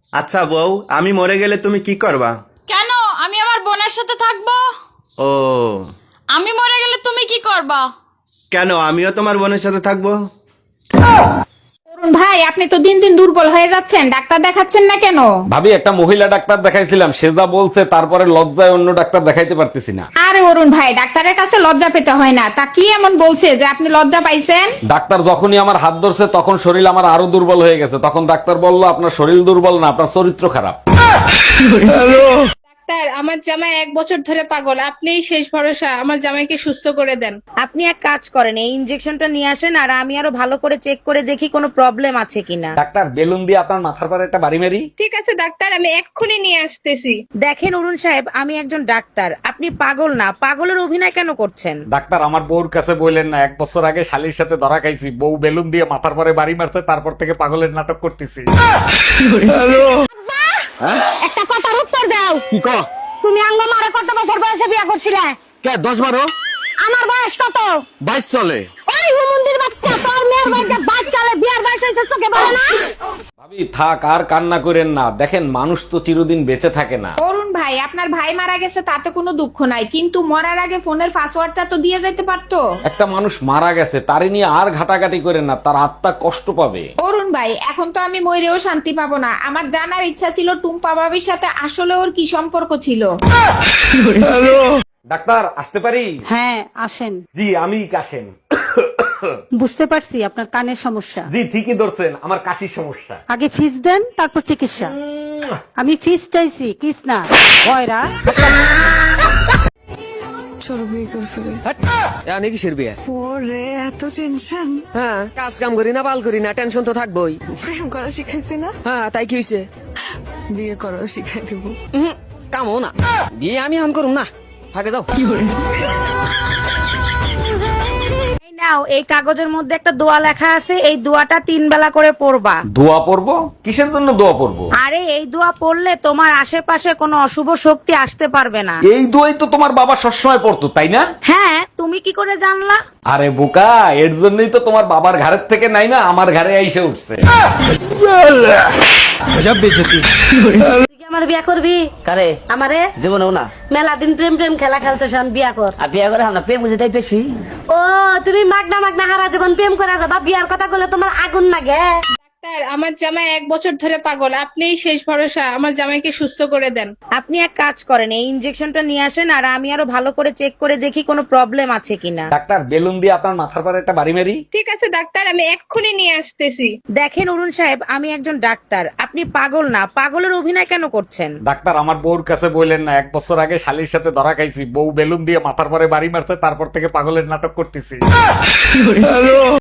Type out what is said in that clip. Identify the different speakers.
Speaker 1: আচ্ছা বউ, আমি মরে গেলে তুমি কি করবা?
Speaker 2: কেন? আমি আমার বোনের সাথে থাকবো।
Speaker 1: ও,
Speaker 2: আমি মরে গেলে তুমি কি করবা?
Speaker 1: কেন আমিও তোমার বোনের সাথে থাকবো?
Speaker 3: অরুণ ভাই, আপনি তো দিন দিন দুর্বল হয়ে যাচ্ছেন, ডাক্তার দেখাচ্ছেন না কেন?
Speaker 4: ভাবি, একটা মহিলা ডাক্তার দেখাইছিলাম, সে যা বলছে তারপরে লজ্জায় অন্য ডাক্তার দেখাইতে পারতেছি না।
Speaker 3: আরে অরুণ ভাই, ডাক্তারের কাছে লজ্জা পেতে হয় না। তা কি এমন বলছে যে আপনি লজ্জা পাইছেন?
Speaker 4: ডাক্তার যখনই আমার হাত ধরছে তখন শরীর আমার আরো দুর্বল হয়ে গেছে। তখন ডাক্তার বলল, আপনার শরীর দুর্বল না, আপনার চরিত্র খারাপ।
Speaker 5: ডাক্তার, আমার জামাই 1 বছর ধরে পাগল, আপনিই শেষ ভরসা, আমার জামাইকে সুস্থ করে দেন।
Speaker 6: আপনি এক কাজ করেন, এই ইনজেকশনটা নিয়ে আসেন আর আমি আরো ভালো করে চেক করে দেখি কোনো প্রবলেম আছে কিনা।
Speaker 4: ডাক্তার, বেলুন দিয়ে আপনার মাথার পরে একটা বাড়ি মারি।
Speaker 5: ঠিক আছে ডাক্তার, আমি এক্ষুনি নিয়ে আসতেছি।
Speaker 6: দেখেন অরুণ সাহেব, আমি একজন ডাক্তার, আপনি পাগল না। পাগলের অভিনয় কেন করছেন?
Speaker 4: ডাক্তার, আমার বউর কাছে বললেন না, 1 বছর আগে শালির সাথে ধরা খাইছি, বউ বেলুন দিয়ে মাথার পরে বাড়ি মারছে, তারপর থেকে পাগলের নাটক করতেছি।
Speaker 7: একটা কথার উত্তর দাও।
Speaker 8: কি ক?
Speaker 7: তুমি আঙ্গ মারে কত বছর বয়সে বিয়া করছিলে?
Speaker 8: কে 10-12?
Speaker 7: আমার বয়স কত?
Speaker 8: 22 চলে।
Speaker 7: ওই হুমুন্দির বাচ্চা, তোর মেয়ের বাচ্চা বাচ্চালে বিয়ার বয়স হয়েছে, চোখে বলে না?
Speaker 4: ভাবি, থাক আর কান্না করেন না। দেখেন, মানুষ তো চিরদিন বেঁচে থাকে না।
Speaker 3: অরুণ ভাই, আপনার ভাই মারা গেছে তাতে কোনো দুঃখ নাই, কিন্তু মরার আগে ফোনের পাসওয়ার্ডটা তো দিয়ে যেতে পারতো।
Speaker 4: একটা মানুষ মারা গেছে, তারে নিয়ে আর ঘাটাঘাটি করেন না, তার আত্মা কষ্ট পাবে।
Speaker 3: অরুণ ভাই, এখন তো আমি মরেও শান্তি পাবো না। আমার জানার ইচ্ছা ছিল টুম্পা ভাবির সাথে আসলে ওর কি সম্পর্ক ছিল।
Speaker 4: ডাক্তার, আসতে পারি?
Speaker 7: হ্যাঁ আসেন।
Speaker 4: জি, আমি কাশেম।
Speaker 7: বুঝতে পারছি আপনার কানের সমস্যা।
Speaker 4: জি, ঠিকই ধরছেন, আমার কাশির সমস্যা।
Speaker 7: আগে ফিস দেন, তারপর চিকিৎসা। আমি ফিস চাইছি, কিস না। ভয়রা
Speaker 9: কিসের বিয়ে?
Speaker 10: ওরে এত টেনশন।
Speaker 9: হ্যাঁ, কাজ কাম করি না, বাল করি না, টেনশন তো থাকবোই।
Speaker 10: প্রেম করা শিখাইছি না?
Speaker 9: হ্যাঁ, তাই কি হয়েছে?
Speaker 10: বিয়ে করাও শিখাই দেব।
Speaker 9: কামও না, বিয়ে আমি আন করুম না। থাকে যাও।
Speaker 6: এই নাও, এই কাগজের মধ্যে একটা দোয়া লেখা আছে, এই দোয়াটা 3 বেলা করে পড়বা।
Speaker 4: দোয়া পড়বো? কিসের জন্য দোয়া পড়বো?
Speaker 6: আরে এই দোয়া পড়লে তোমার আশেপাশে কোনো অশুভ শক্তি আসতে পারবে না।
Speaker 4: এই দোয়াই তো তোমার বাবা সবসময় পড়তো, তাই না?
Speaker 6: হ্যাঁ, তুমি কি করে জানলা?
Speaker 4: আরে বোকা, এর জন্যই তো তোমার বাবার ঘরের থেকে নাই না আমার ঘরে আইসে উঠছে।
Speaker 7: তুই কি আমার বিয়া করবি?
Speaker 9: কারে?
Speaker 7: আমারে
Speaker 9: জীবনেও না।
Speaker 7: মেলা দিন প্রেম প্রেম খেলা খেলতেছ, আমি বিয়া কর।
Speaker 9: আর বিয়ে করে আমরা প্রেম বুঝে তাই বেশি।
Speaker 7: ও, তুমি মাগনা মাগনা হারা জীবন প্রেম করা যাবা, বিয়ার কথা বলে তোমার আগুন লাগে?
Speaker 5: ডাক্তার, আমার জামাই 1 বছর ধরে পাগল, আপনিই শেষ ভরসা, আমার জামাইকে সুস্থ করে দেন।
Speaker 6: আপনি এক কাজ করেন, এই ইনজেকশনটা নিয়ে আসেন আর আমি আরো ভালো করে চেক করে দেখি কোনো প্রবলেম আছে কিনা।
Speaker 4: ডাক্তার, বেলুন দিয়ে আপনার মাথার পরে একটা বাড়ি মারি।
Speaker 5: ঠিক আছে ডাক্তার, আমি এক্ষুনি নিয়ে আসতেছি।
Speaker 6: দেখেন অরুণ সাহেব, আমি একজন ডাক্তার, আপনি পাগল না। পাগলের অভিনয় কেন করছেন?
Speaker 4: ডাক্তার, আমার বউর কাছে বললেন না, 1 বছর আগে শালির সাথে ধরা খাইছি, বউ বেলুন দিয়ে মাথার পরে বাড়ি মারছে, তারপর থেকে পাগলের নাটক করতেছি।